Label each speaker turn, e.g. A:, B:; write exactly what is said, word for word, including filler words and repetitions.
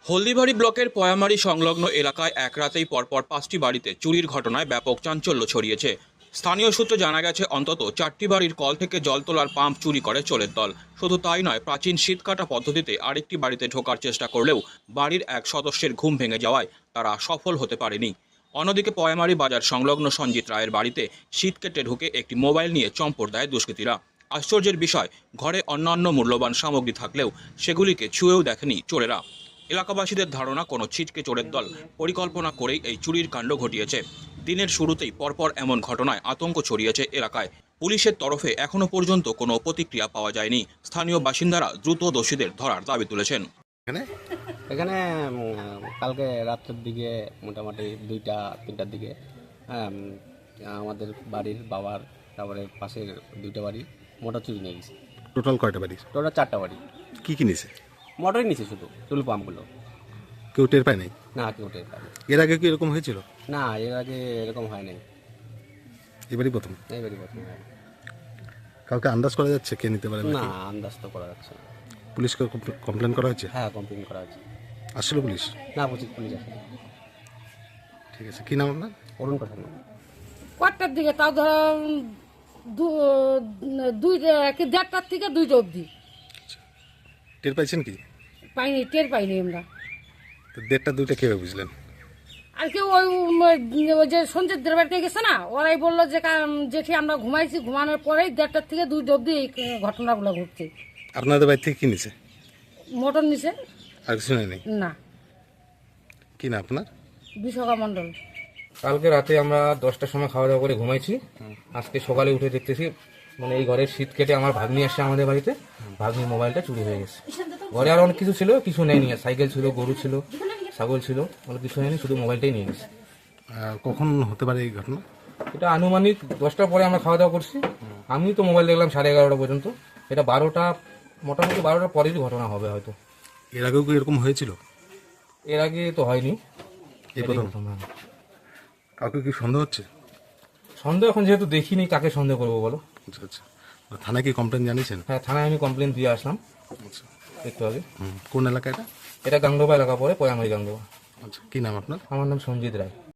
A: হলদিবাড়ি ব্লকের পয়ামারি সংলগ্ন এলাকায় এক রাতেই পরপর পাঁচটি বাড়িতে চুরির ঘটনায় ব্যাপক চাঞ্চল্য ছড়িয়েছে। স্থানীয় সূত্রে জানা গেছে অন্তত চারটি বাড়ির কল থেকে জল তোলার পাম্প চুরি করে চোরের দল। শুধু তাই নয়, প্রাচীন শীতকাটা পদ্ধতিতে আরেকটি বাড়িতে ঢোকার চেষ্টা করলেও বাড়ির এক সদস্যের ঘুম ভেঙে যাওয়ায় তারা সফল হতে পারেনি। অন্যদিকে পয়ামারি বাজার সংলগ্ন সঞ্জিত রায়ের বাড়িতে শীত কেটে ঢুকে একটি মোবাইল নিয়ে চম্পট দেয় দুষ্কৃতীরা। আশ্চর্যের বিষয়, ঘরে অন্যান্য মূল্যবান সামগ্রী থাকলেও সেগুলিকে ছুঁয়েও দেখেনি চোরেরা। এলাকাবাসীদের ধারণা, কোনো ছিটকে চোরের দল পরিকল্পনা করেই এই চুরির কাণ্ড ঘটিয়েছে। দিনের শুরুতেই পরপর এমন ঘটনায় আতঙ্ক ছড়িয়েছে এলাকায়। পুলিশের তরফে এখনো পর্যন্ত কোনো প্রতিক্রিয়া পাওয়া যায়নি। স্থানীয় বাসিন্দারা দ্রুত দোষীদের ধরার দাবি তুলেছেন।
B: এখানে
C: এখানে উম, কালকে রাত্রের দিকে মোটামুটি দুইটা তিনটার দিকে হ্যাঁ উম, আমাদের বাড়ির বাবার তারপরে পাশের দুইটা বাড়ি মোটর চুরি নিয়ে গেছে।
B: টোটাল কয়টা বাড়ি?
C: টোটাল চারটা বাড়ি।
B: কি কি নিছে?
C: মোটরই নিচে শুধু টুল পাম্পগুলো।
B: কেউ টের পায় নাই?
C: না কেউ টের পায়নি।
B: এর আগে কি এরকম হয়েছিল?
C: না এর আগে এরকম হয় নাই,
B: এবারই প্রথম?
C: এবারই প্রথম হয়।
B: কাউকে আন্দাজ করা যাচ্ছে কে নিতে পারে?
C: না আন্দাজ তো করা যাচ্ছে না।
B: পুলিশকে কমপ্লেন করা হয়েছে?
C: হ্যাঁ কমপ্লেন করা হচ্ছে।
B: আসলে পুলিশ?
C: না পুলিশ পুলিশ আসে।
B: ঠিক আছে, কি নাম আপনার?
C: অরুণ প্রধান।
D: কটার দিকে তাও ধর দু- দুই কি দেড়টার থেকে দুইটা অবধি
B: টের পাইছেন কি?
D: পাইনি, টের পাইনি আমরা।
B: তো দেড়টা দুইটা কীভাবে বুঝলেন?
D: আর কেউ ওই উম, ওই যে সঞ্জিতদের বাড়িতে গেছে না, ওরাই বললো যে কা- জেঠি আমরা ঘুমাইছি, ঘুমানোর পরেই দেড়টার থেকে দুইটা অবধি এই ঘটনাগুলো ঘটছে।
B: আপনাদের বাড়ি থেকে কি নিছে?
D: মোটর নিছে?
B: আর কিছু নেই?
D: না।
B: কি না আপনার?
D: বিশাখা মণ্ডল।
E: কালকে রাতে আমরা দশটার সময় খাওয়া দাওয়া করে ঘুমাইছি। আজকে সকালে উঠে দেখতেছি মানে এই ঘরের শীত কেটে আমার ভাগ্নি আসছে আমাদের বাড়িতে, ভাগ্নির মোবাইলটা চুরি হয়ে গেছে। ঘরে আর অনেক কিছু ছিল, কিছু নেয়নি। সাইকেল ছিল, গরু ছিল, ছাগল ছিল, অনেক কিছু নেয়নি, শুধু মোবাইলটাই নিয়ে গেছে।
B: আহ, কখন হতে পারে এই ঘটনা?
E: এটা আনুমানিক দশটার পরে আমরা খাওয়া দাওয়া করছি। আমি তো মোবাইল দেখলাম সাড়ে এগারোটা পর্যন্ত। এটা বারোটা, মোটামুটি বারোটার পরেরই ঘটনা হবে হয়তো।
B: এর আগেও কি এরকম হয়েছিল?
E: এর আগে তো হয়নি,
B: এই
E: এটাই
B: প্রথম?
E: প্রথম। হ্যাঁ।
B: কাউকে কি সন্দেহ হচ্ছে?
E: সন্দেহ এখন যেহেতু দেখিনি, কাকে সন্দেহ করবো বলো?
B: আচ্ছা আচ্ছা, থানায় কি কমপ্লেন জানিয়েছেন?
E: হ্যাঁ, থানায় আমি কমপ্লেন দিয়ে আসলাম
B: আচ্ছা,
E: একটু আগে।
B: হুম, কোন এলাকা এটা?
E: এটা গাংডোবা এলাকা পড়ে, পয়ামারি গাংডোবা।
B: আচ্ছা, কি নাম আপনার?
E: আমার নাম সঞ্জিত রায়।